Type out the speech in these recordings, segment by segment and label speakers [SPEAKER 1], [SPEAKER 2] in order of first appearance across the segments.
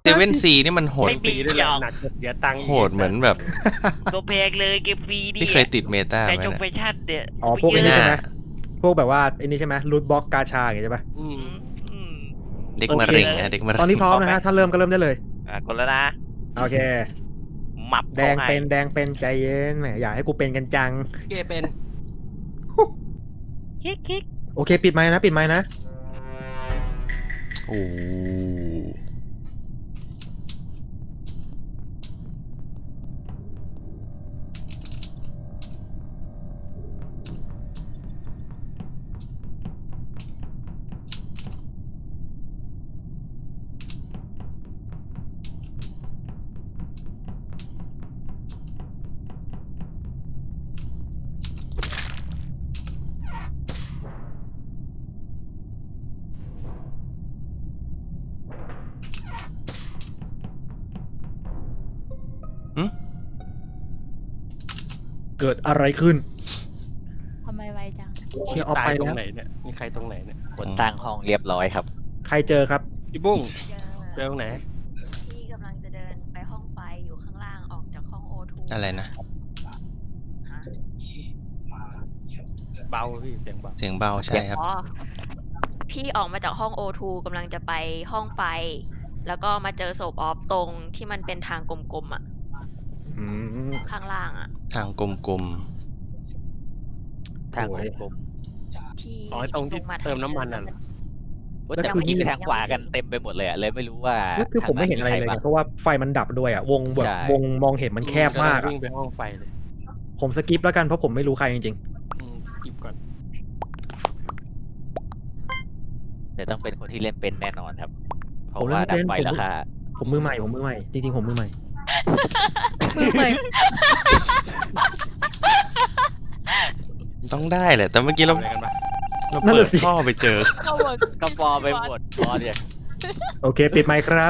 [SPEAKER 1] เซเว่นซีนี่มันโหด
[SPEAKER 2] ฟรีด้วยเลยหนักเสียตังค์
[SPEAKER 1] โหดเหมือนแบบ
[SPEAKER 3] ตัวแพงเลยเกมฟรีดิ
[SPEAKER 1] ที่เคยติดเมตา
[SPEAKER 3] แต่
[SPEAKER 1] ไหม
[SPEAKER 3] จง
[SPEAKER 1] เนี่ย
[SPEAKER 3] ไปชัดเดี๋ย
[SPEAKER 4] อ๋อพวกไอ้นี่ใช่ไหมพวกแบบว่าไอ้นี่ใช่ไหมรูทบล็อกกาชาอย่างเงี้ยใช่ปะ
[SPEAKER 2] อืม
[SPEAKER 1] เด็กมะเร็งนะเด็กมะเร็ง
[SPEAKER 4] ตอนนี้พร้อมนะฮะถ้าเริ่มก็เริ่มได้เลย
[SPEAKER 3] กดแล้วนะ
[SPEAKER 4] โอเค
[SPEAKER 3] หมับ
[SPEAKER 4] แดงเป็นใจเย็นแหมอยากให้กูเป็นกันจัง
[SPEAKER 2] เกเป็น
[SPEAKER 3] คิก
[SPEAKER 4] โอเคปิดไมค์นะปิดไมค์นะ
[SPEAKER 1] โอ้โห
[SPEAKER 4] เกิดอะไรขึ้น
[SPEAKER 5] ทำไมไวจัง
[SPEAKER 4] เชียร์ออก
[SPEAKER 2] ตาย
[SPEAKER 4] ไป
[SPEAKER 2] ตร
[SPEAKER 4] แล้
[SPEAKER 2] ง
[SPEAKER 4] ว
[SPEAKER 2] ไหนเนี่ยมีใครตรงไหนเนี่ย
[SPEAKER 3] คนตั้งห้องเรียบร้อยครับ
[SPEAKER 4] ใครเจอครับ
[SPEAKER 2] พี่บุ้ง
[SPEAKER 5] เจ
[SPEAKER 2] เจอตรงไหน
[SPEAKER 5] พี่กำลังจะเดินไปห้องไฟอยู่ข้างล่างออกจากห้องโอทู
[SPEAKER 1] อะไรนะ
[SPEAKER 2] เบาพี่เสียงเบา
[SPEAKER 1] เสียงเบาใช่ครับ
[SPEAKER 5] อ๋อพี่ออกมาจากห้องโอทูกำลังจะไปห้องไฟ แล้วก็มาเจอศพออฟตรงที่มันเป็นทางกลมๆอ่ะ
[SPEAKER 4] อืม
[SPEAKER 5] ข้างล่างอ่ะ
[SPEAKER 1] ทางกลม
[SPEAKER 3] ทาง
[SPEAKER 4] โอ้ย
[SPEAKER 3] กลม
[SPEAKER 5] ที่
[SPEAKER 2] อ๋อตรงที่
[SPEAKER 5] า
[SPEAKER 2] เติมน้ำมันน่ะเหรอ
[SPEAKER 3] ๆแต่เมื่อกี้ไปทางขวากันเต็มไปหมดเลยอะเลยไม่รู้ว่า
[SPEAKER 4] นี่คือผมไม่เห็นอะไรเลย
[SPEAKER 3] ทาง
[SPEAKER 4] ไงเพราะว่าไฟมันดับด้วยอ่ะวงแบบ
[SPEAKER 3] ใช่
[SPEAKER 4] วงมองเห็นมันแคบมากอะ
[SPEAKER 2] วิ่งไปห้องไฟเลย
[SPEAKER 4] ผมสกิปแล้วกันเพราะผมไม่รู้ใครจริง
[SPEAKER 2] กิบก่อน
[SPEAKER 3] แต่ต้องเป็นคนที่เล่นเป็นแน่นอนครับ เพราะ
[SPEAKER 4] ผมเล่
[SPEAKER 3] ว่าน
[SPEAKER 4] ไม่
[SPEAKER 3] ดั
[SPEAKER 4] เป็น
[SPEAKER 3] บไฟราคา
[SPEAKER 4] ๆผมมือใหม่จริงๆผมมือใหม่
[SPEAKER 5] มือใหม่
[SPEAKER 1] ๆ ต้องได้แหละ แต่เมื่อกี้เรา
[SPEAKER 2] อะไรกันปะ
[SPEAKER 1] เปิดท่อไปเจอ
[SPEAKER 3] ก็ปอไปหมดปอเนี่ย
[SPEAKER 4] โอเคปิดไมค์ครับ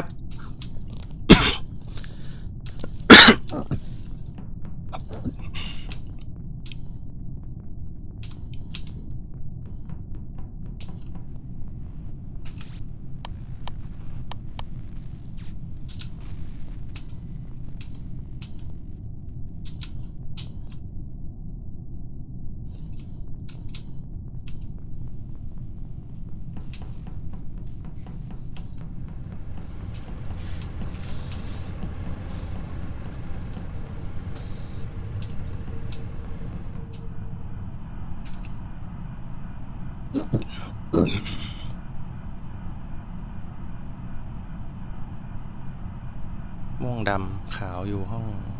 [SPEAKER 1] ม่วงดำขาวอยู่ห้อง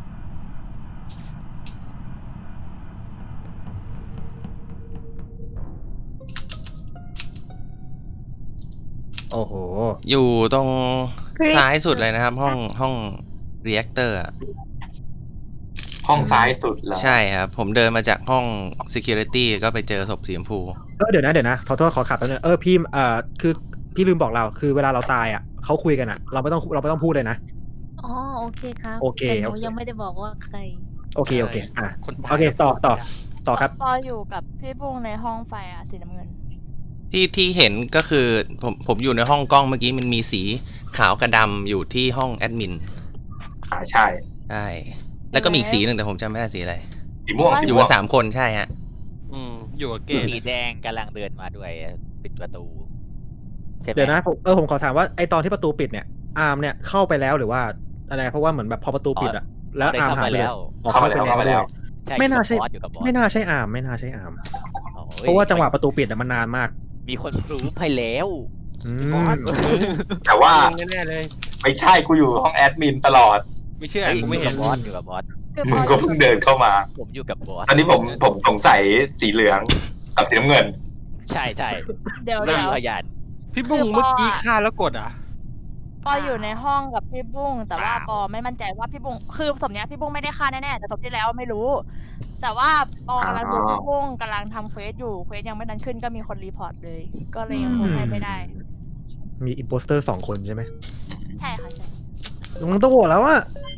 [SPEAKER 4] โอ้โห
[SPEAKER 1] อยู่ตรงซ้ายสุดเลยนะครับ ห้องเรีแอคเตอร์อะ
[SPEAKER 6] ห้องซ้ายสุดเหรอ
[SPEAKER 1] ใช่ครับ ผมเดินมาจากห้อง Security ก็ไปเจอศพสีชมพู
[SPEAKER 4] เดี๋ยวนะขอโทษขอขับแป๊บนึงพี่คือพี่ลืมบอกเราคือเวลาเราตายอ่ะเขาคุยกันอ่ะ เราไม่ต้องพูดเลยนะ
[SPEAKER 5] อ๋อโอเคครับ
[SPEAKER 4] โอเค
[SPEAKER 5] แต่หนู
[SPEAKER 4] โอเค
[SPEAKER 5] ยังไม่ได้บอกว่าใคร
[SPEAKER 4] โอเคอ่ะ
[SPEAKER 2] คนตาย
[SPEAKER 4] โอเคต่อครับ
[SPEAKER 7] ปออยู่กับพี่บุ้งในห้องไฟอ่ะสีน้ำเงิน
[SPEAKER 1] ที่เห็นก็คือผมอยู่ในห้องกล้องเมื่อกี้มันมีสีขาวกับดำอยู่ที่ห้องแอดมิน
[SPEAKER 6] ใช่
[SPEAKER 1] ใช่ แล้วก็มีอีกสีหนึ่งแต่ผมจำไม่ได้สีอะไร
[SPEAKER 6] สีม่วง
[SPEAKER 1] อ
[SPEAKER 6] สี
[SPEAKER 1] ยู่
[SPEAKER 6] ม่ว
[SPEAKER 1] กั
[SPEAKER 6] ง
[SPEAKER 1] น3 คนใช่ฮะ
[SPEAKER 2] อยู่กับเก
[SPEAKER 3] สีแดงกำลังเดินมาด้วยปิดประตูใช่ไหม
[SPEAKER 4] เดี๋ยวนะผมขอถามว่าไอตอนที่ประตูปิดเนี่ยอาร์มเนี่ยเข้าไปแล้วหรือว่าอะไรเพราะว่าเหมือนแบบพอประตูปิดอ่ะแล้ว
[SPEAKER 3] ได้
[SPEAKER 4] อาร์ม
[SPEAKER 3] เข้า
[SPEAKER 4] หาย
[SPEAKER 3] มา
[SPEAKER 4] ไปเลย
[SPEAKER 3] แล้ว
[SPEAKER 4] อ๋อ
[SPEAKER 6] เข้าไปแล้ว
[SPEAKER 3] ใช่
[SPEAKER 4] ไม่น่าใช่
[SPEAKER 3] บอสอยู่กับบอส
[SPEAKER 4] ไม่น่าใช่อาร์ม
[SPEAKER 3] โอ้ย
[SPEAKER 4] เพราะว่าจังหวะประตูปิดอะมันนานมาก
[SPEAKER 3] มีคนรู้ให้แล้ว
[SPEAKER 4] อื
[SPEAKER 2] บอ
[SPEAKER 4] ม
[SPEAKER 2] ส
[SPEAKER 6] แต่ว่า
[SPEAKER 2] แน่ๆเลย
[SPEAKER 6] ไม่ใช่กูอยู่ห้องแอดมินตลอด
[SPEAKER 2] ไม่เชื่อ
[SPEAKER 3] เฮ้ย
[SPEAKER 2] กู
[SPEAKER 3] อ
[SPEAKER 2] ไม่
[SPEAKER 3] ยู่
[SPEAKER 2] เห็
[SPEAKER 3] กัน บบอสอยู่กับบอส
[SPEAKER 7] คือป
[SPEAKER 6] มึ
[SPEAKER 7] อง
[SPEAKER 6] ก็เพิ่งเดินเข้ามา
[SPEAKER 3] ผมอยู่กับบอส
[SPEAKER 6] ตอนนี้ผมสงสัยสีเหลืองกับสีน้ำเงิน
[SPEAKER 3] ใช่ใช่
[SPEAKER 7] เดี๋ยว
[SPEAKER 3] ไม่
[SPEAKER 7] เดี๋ยว
[SPEAKER 3] มีพยาน
[SPEAKER 2] พี่บุ้งเมื่อกี้ฆ่าแล้วกดอ่ะ
[SPEAKER 7] ปออยู่ในห้องกับพี่บุ้งแต่ว่า
[SPEAKER 2] อ้าว
[SPEAKER 7] ปอไม่มั่นใจว่าพี่บุ้งคือศพเนี้ยพี่บุ้งไม่ได้ฆ่าแน่ๆแต่ศพที่แล้วไม่รู้ แต่ว่าปอกำลังดูพี่บุ้งกำลังทำเควสอยู่เควสยังไม่ดันขึ้นก็มีคนรีพอร์ตเลย ก็เลยยังคงให้ไม่ได้
[SPEAKER 4] มีอิมโพสเตอร์2 คนใช่ไหม
[SPEAKER 7] ใช่ค่ะใช่
[SPEAKER 4] มึงต้องโหวตแล้วอะ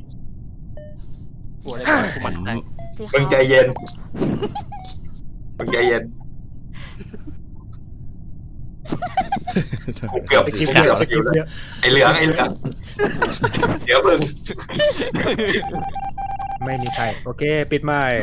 [SPEAKER 2] กลัวอะไรกันกูมันใจ
[SPEAKER 7] สี
[SPEAKER 6] มึ
[SPEAKER 7] ขาง ว
[SPEAKER 6] ใจเย็น มึงใจเย็นกูเกือบ
[SPEAKER 4] ไป
[SPEAKER 6] กู
[SPEAKER 4] กิน
[SPEAKER 6] เกื
[SPEAKER 4] เดี๋
[SPEAKER 6] อย บ
[SPEAKER 4] ไป
[SPEAKER 6] ไป
[SPEAKER 4] กิน
[SPEAKER 6] แล้ว
[SPEAKER 4] เดี๋ยว
[SPEAKER 6] ไอเหลืองเดี๋ยวมึง
[SPEAKER 4] ไม่มีใครโอเค ปิดไมค์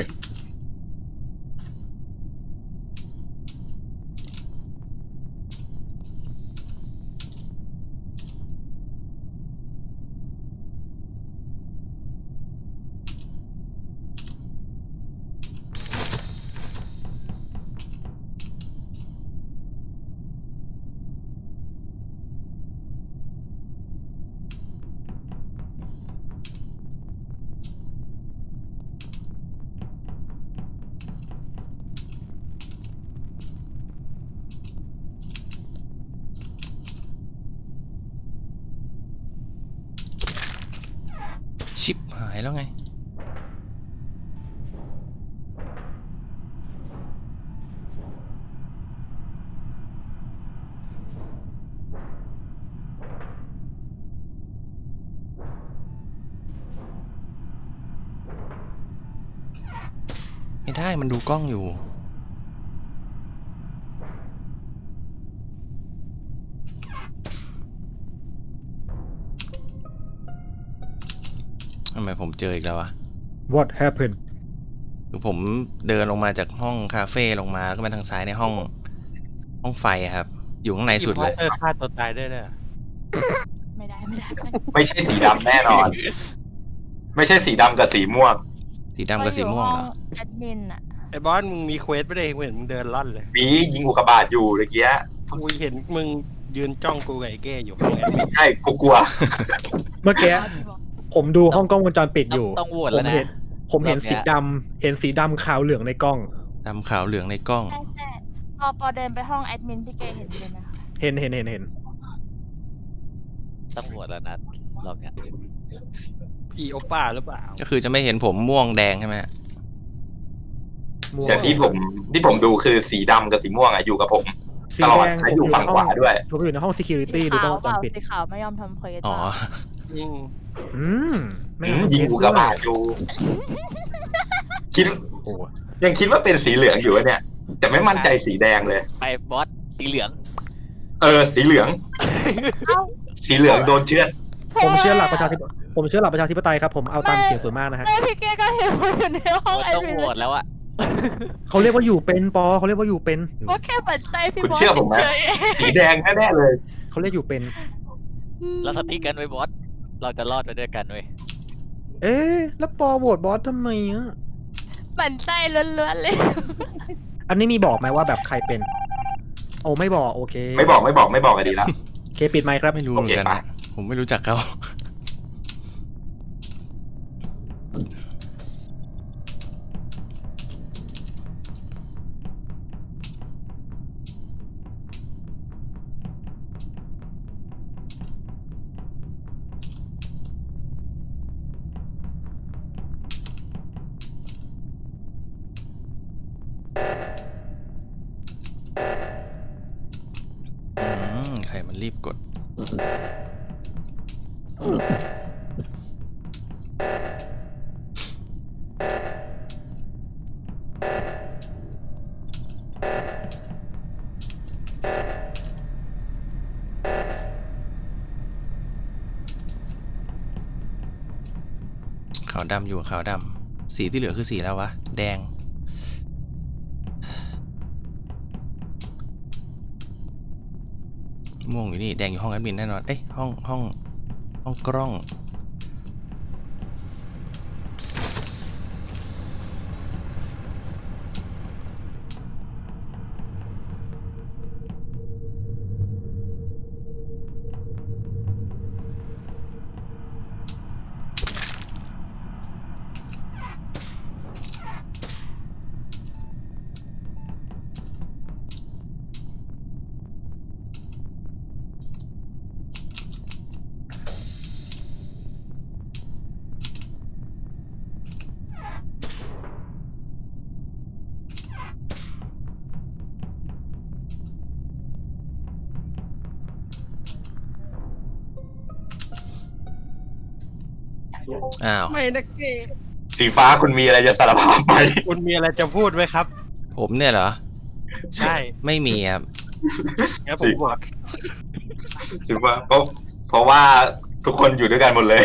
[SPEAKER 1] ชิปหายแล้วไง ไม่ได้มันดูกล้องอยู่ ทำไมผมเจออีกแล้ววะ
[SPEAKER 4] what happened
[SPEAKER 1] คือผมเดินลงมาจากห้องคาเฟ่ลงมาแล้วก็มาทางซ้ายในห้องไฟอะครับ อยู่ข้างในสุดเลย
[SPEAKER 2] ฆ่าตัวตายได้เลย
[SPEAKER 7] ไม่ได้
[SPEAKER 6] ไม่ใช่สีดำแน่นอน ไม่ใช่สีดำกับสีม่วง
[SPEAKER 1] สีดำกับสีม่วงเหรอ
[SPEAKER 7] แอดมินอะ
[SPEAKER 2] ไอ้บอสมึงมีเควสไม่ได้เห็นมึงเดินล่อนเลย
[SPEAKER 6] มียิงอุกกาบาตอยู่เมื่อกี้
[SPEAKER 2] กูเห็นมึงยืนจ้องกูกับไอ้เก้อยู่ข้างแอดมิน
[SPEAKER 6] ใช่กูกลัว
[SPEAKER 4] เมื่อกี้ผมดูห้องกล้องวงจรปิดอยู่
[SPEAKER 3] ต้องโหวต
[SPEAKER 4] ผ
[SPEAKER 3] แล้ว
[SPEAKER 4] ม
[SPEAKER 3] นะ
[SPEAKER 4] เห็นสีดำเห็นสีดำขาวเหลืองในกล้อง
[SPEAKER 1] ดำขาวเหลืองในกล้อง
[SPEAKER 7] ใช่พอเดินไปห้องแอดมินพี่เจเห็นเลยไหมคะ
[SPEAKER 4] เห็น
[SPEAKER 3] ต้องโหวตแล้วนะรอบเนี้ย
[SPEAKER 2] พี่โอป้าหรือเปล่า
[SPEAKER 1] ก็คือจะไม่เห็นผมม่วงแดงใช่ไหม
[SPEAKER 4] ม่วง
[SPEAKER 6] แต่ที่ผมดูคือสีดำกับสีม่วงอะอยู่กับผม
[SPEAKER 4] สี
[SPEAKER 6] ตลอ
[SPEAKER 4] แด
[SPEAKER 6] ด
[SPEAKER 4] ง
[SPEAKER 6] และอยู่ฝั่งขวาด้วย
[SPEAKER 4] ผมอยู่ในห้อง security ดู
[SPEAKER 7] สี
[SPEAKER 4] กล้
[SPEAKER 7] ขา
[SPEAKER 4] อง
[SPEAKER 7] ว
[SPEAKER 4] วง
[SPEAKER 7] เป
[SPEAKER 4] จร
[SPEAKER 7] ล่า
[SPEAKER 4] ปิด
[SPEAKER 7] สีขาวไม่ยอมทำเควส
[SPEAKER 1] อ๋อ
[SPEAKER 7] เปล่า
[SPEAKER 2] อืม
[SPEAKER 4] ไม่
[SPEAKER 6] ยิงอุกกาบาตอยู่ คิด
[SPEAKER 4] โอ้
[SPEAKER 6] ยังคิดว่าเป็นสีเหลืองอยู่วะเนี่ย แต่ไม่มั่นใจสีแดงเลย
[SPEAKER 3] ไปบอสสีเหลือง
[SPEAKER 6] สีเหลือง สีเหลืองโดนเชือด
[SPEAKER 4] ผมเชื่อหลักประชาธิปไตยครับผมเอาตามเสียงส่วนมากนะฮะ
[SPEAKER 7] แม่พี่เจก็เห็นว่าอยู่ในห้องแอด
[SPEAKER 3] ต้อง
[SPEAKER 7] มิน
[SPEAKER 3] โหวตแล้วอะ
[SPEAKER 4] เขาเรียกว่าอยู่เป็นปอเขาเรียกว่าอยู่เป็น
[SPEAKER 7] ก็แค่ปัดใจพี่
[SPEAKER 6] คุณ
[SPEAKER 7] บอส
[SPEAKER 6] เชื่อผมไหม
[SPEAKER 7] เฉย
[SPEAKER 6] สีแดงแน่ๆเลย
[SPEAKER 4] เขาเรียกอยู่เป็น
[SPEAKER 3] เราสติกกันไว้บอสเราจะรอดไปด้วยกันเว้ย
[SPEAKER 4] เอ๊ะแล้วปอโหวตบอสทำไมอ่ะ
[SPEAKER 7] ปั่นใจล้วนๆเลย
[SPEAKER 4] อันนี้มีบอกไหมว่าแบบใครเป็น โอ้ไม่บอกโอเค
[SPEAKER 6] ไม่บอกอะดีละ
[SPEAKER 4] โอเคปิดไมค์ครับ
[SPEAKER 1] ไม่รู้เหมือนกัน
[SPEAKER 6] โอเค
[SPEAKER 1] นะผมไม่รู้จักเขา ใครมันรีบกด ขาวดำอยู่ขาวดำสีที่เหลือคือสีแล้ววะ แดง ม่วงอยู่นี่ แดงอยู่ห้องแอดมินแน่นอน เอ้ยห้องกล้อง อ้าว
[SPEAKER 2] ไม่นะเก้
[SPEAKER 6] สีฟ้าคุณมีอะไรจะสารภาพไหม
[SPEAKER 2] คุณมีอะไรจะพูดไหมครับ
[SPEAKER 1] ผมเนี่ยเหรอ
[SPEAKER 2] ใช่
[SPEAKER 1] ไม่มีครับ
[SPEAKER 2] แล้วผมบอก
[SPEAKER 6] ถือว่าเพราะว่าทุกคนอยู่ด้วยกันหมดเลย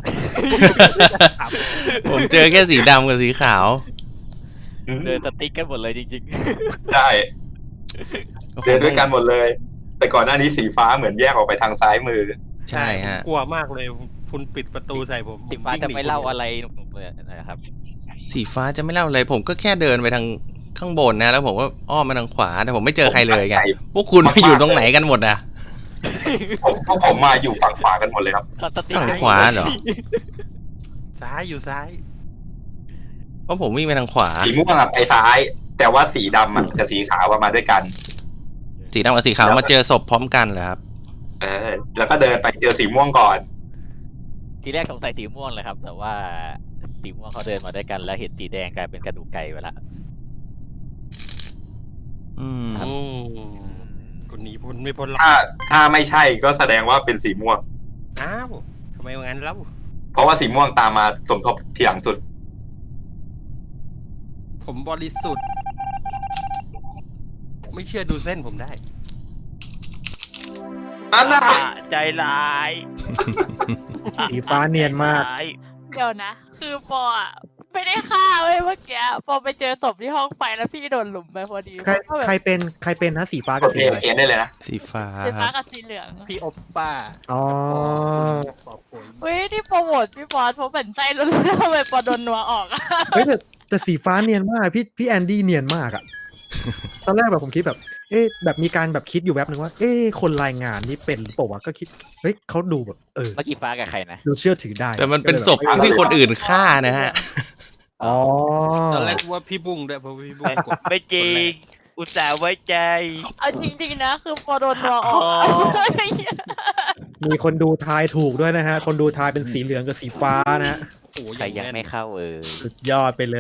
[SPEAKER 1] ผมเจอแค่สีดำกับสีขาว
[SPEAKER 3] เดินสติ๊กกันหมดเลยจริง
[SPEAKER 6] ใช่เดินด้วยกันหมดเลย แต่ก่อนหน้านี้สีฟ้าเหมือนแยกออกไปทางซ้ายมือ
[SPEAKER 1] ใช่ฮะ
[SPEAKER 2] กลัวมากเลย คุณปิดประตูใส่ผม
[SPEAKER 3] ๆสิฟ้าจะไม่เล่าอะไรหนุกๆเลยนะครับ
[SPEAKER 1] สีฟ้าจะไม่เล่าเลยผมก็แค่เดินไปทางข้างบนนะ แล้วผมก็อ้อมมาทางขวาแต่ผมไม่เจอใครเลยไงพวกคุณมาอยู่ตรงไหนกันหมดอ่ะ
[SPEAKER 6] ผมมาอยู่ฝั่งขวากันหมดเลยครับ
[SPEAKER 3] สติ๊ก
[SPEAKER 1] ฝั่ง
[SPEAKER 3] กัน
[SPEAKER 1] ขวาเหรอ
[SPEAKER 2] ซ้ายอยู่ซ้าย
[SPEAKER 1] เพราะผมวิ่งไปทางขวา
[SPEAKER 6] สีม่วงอะไปซ้าย แต่ว่าสีดำอะกับสีขาวมาด้วยกัน
[SPEAKER 1] สีดำกับสีขาวมาเจอศพพร้อมกันเหรอครับ
[SPEAKER 6] แล้วก็เดินไปเจอสีม่วงก่อน
[SPEAKER 3] ทีแรกสงสัยสีม่วงเลยครับ แต่ว่าสีม่วงเขาเดินมาด้วยกันแล้วเห็นสีแดงกลายเป็นกระดูกไก่ไปละ
[SPEAKER 1] อืม
[SPEAKER 2] อืมคนหนีพ้นไม่พ้นหรอก
[SPEAKER 6] ถ้าไม่ใช่ก็แสดงว่าเป็นสีม่วง
[SPEAKER 2] อ้าวทำไมงั้นแล้ว
[SPEAKER 6] เพราะว่าสีม่วงตามมาสมทบทีหลังสุด
[SPEAKER 2] ผมบริสุทธิ์ ไม่เชื่อดูเส้นผมได้
[SPEAKER 6] อันน่ะ
[SPEAKER 3] ใจร้าย
[SPEAKER 4] สีฟ้าเนียนมาก
[SPEAKER 7] เดี๋ยวนะ คือปออะไม่ได้ฆ่าเว้ยเมื่อกี้ปอไปเจอศพที่ห้องไฟแล้วพี่โดนหลุมไปพอดี
[SPEAKER 4] ใครเป็นนะสีฟ้าก กับ
[SPEAKER 6] ด
[SPEAKER 4] สี
[SPEAKER 6] เอ
[SPEAKER 4] อะไร
[SPEAKER 6] เนได้เลยนะ
[SPEAKER 1] สีฟ้า
[SPEAKER 7] สี
[SPEAKER 1] ค
[SPEAKER 7] ฟ้า
[SPEAKER 1] รับ
[SPEAKER 7] กับสีเหลือง
[SPEAKER 2] พี่โอปป้า
[SPEAKER 4] อ๋อ
[SPEAKER 2] ปอบปุ๋ย
[SPEAKER 7] เว้ยที่โปรโมทพี่บอสเพราะเป็นใจแล้วทำไมปอโดนนัวออกอะ
[SPEAKER 4] เฮ้ยแต่สีฟ้าเนียนมากพี่แอนดี้เนียนมากอะตอนแรกแบบผมคิดแบบ แบบมีการแบบคิดอยู่แวบหนึ่งว่า คนรายงานนี่เป็นหรือเปล่าวะก็คิดเฮ้ยเขาดูแบบ
[SPEAKER 3] เมื่อกี้ฟ้ากับใครนะ
[SPEAKER 4] ดูเชื่อถือได้
[SPEAKER 1] แต่มันเป็นศพที่คนอื่นฆ่านะฮะ
[SPEAKER 4] อ๋อ
[SPEAKER 2] ตอนแรกว่าพี่บุ้งด้วยเพราะพี่บุ้งกด
[SPEAKER 3] ไม่จริง อุตส่าห์ไว้ใจ
[SPEAKER 7] เอาจริงๆนะ คือปอโดนนัวออกอะ
[SPEAKER 4] มีคนดูทายถูกด้วยนะฮะ คนดูทายเป็นสีเหลืองกับสีฟ้านะฮะ
[SPEAKER 2] โอ้โห
[SPEAKER 3] ใครยังไม่เข้า
[SPEAKER 4] สุดยอดไปเลย